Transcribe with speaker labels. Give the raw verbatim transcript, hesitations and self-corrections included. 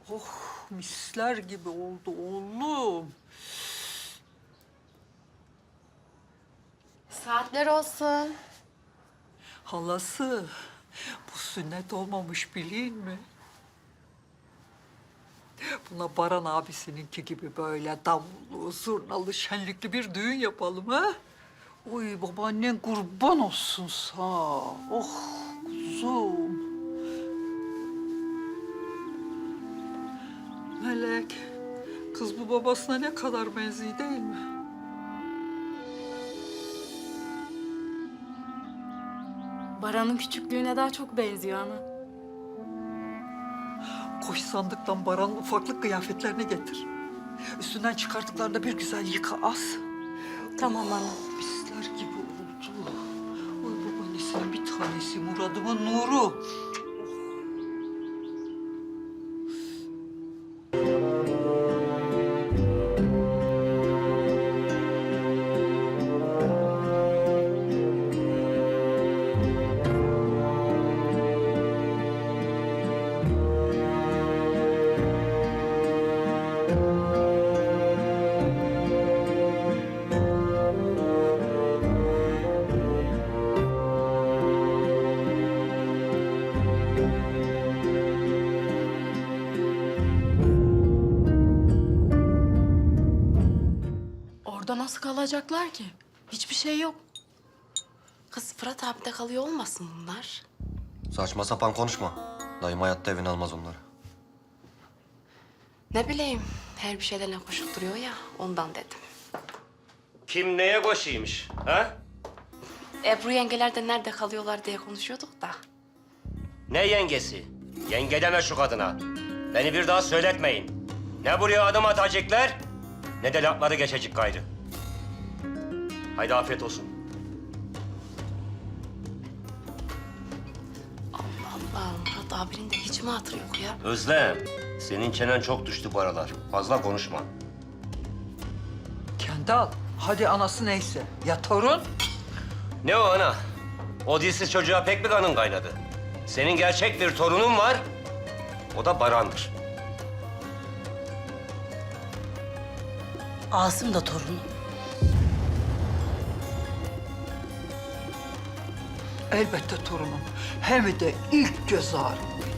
Speaker 1: Oh, misler gibi oldu oğlum.
Speaker 2: Saatler olsun.
Speaker 1: Halası, bu sünnet olmamış bileyim mi? Buna Baran abisininki gibi böyle davullu, zurnalı, şenlikli bir düğün yapalım ha? Oy babaannen kurban olsun sağ. Oh kuzum. Melek, kız bu babasına ne kadar benziyor değil mi?
Speaker 2: Baran'ın küçüklüğüne daha çok benziyor ana.
Speaker 1: Koş sandıktan Baran'ın ufaklık kıyafetlerini getir. Üstünden çıkarttıklarında bir güzel yıka as.
Speaker 2: Tamam ana.
Speaker 1: Misler gibi oldu. Oy babaannesinin bir tanesi Murad'ımın nuru.
Speaker 2: Orada nasıl kalacaklar ki? Hiçbir şey yok. Kız Fırat abi de kalıyor olmasın bunlar?
Speaker 3: Saçma sapan konuşma. Dayım hayatta evine almaz onları.
Speaker 2: Ne bileyim, her bir şeylerle koşup duruyor ya, ondan dedim.
Speaker 4: Kim neye koşuymuş, ha?
Speaker 2: Ebru yengeler de nerede kalıyorlar diye konuşuyorduk da.
Speaker 4: Ne yengesi? Yenge deme şu kadına. Beni bir daha söyletmeyin. Ne buraya adım atacaklar, ne de lafları geçecek gayrı. Haydi afiyet olsun.
Speaker 2: Allah Allah, Murat abinin de hiç mi hatırı yok ya?
Speaker 4: Özlem, senin çenen çok düştü bu aralar. Fazla konuşma.
Speaker 1: Kendal, hadi anası neyse. Ya torun?
Speaker 4: Ne o ana? O dilsiz çocuğa pek bir kanın kaynadı. Senin gerçek bir torunun var, o da Baran'dır.
Speaker 2: Asım da torunu.
Speaker 1: Elbette torunum. Hem de ilk göz ağrım.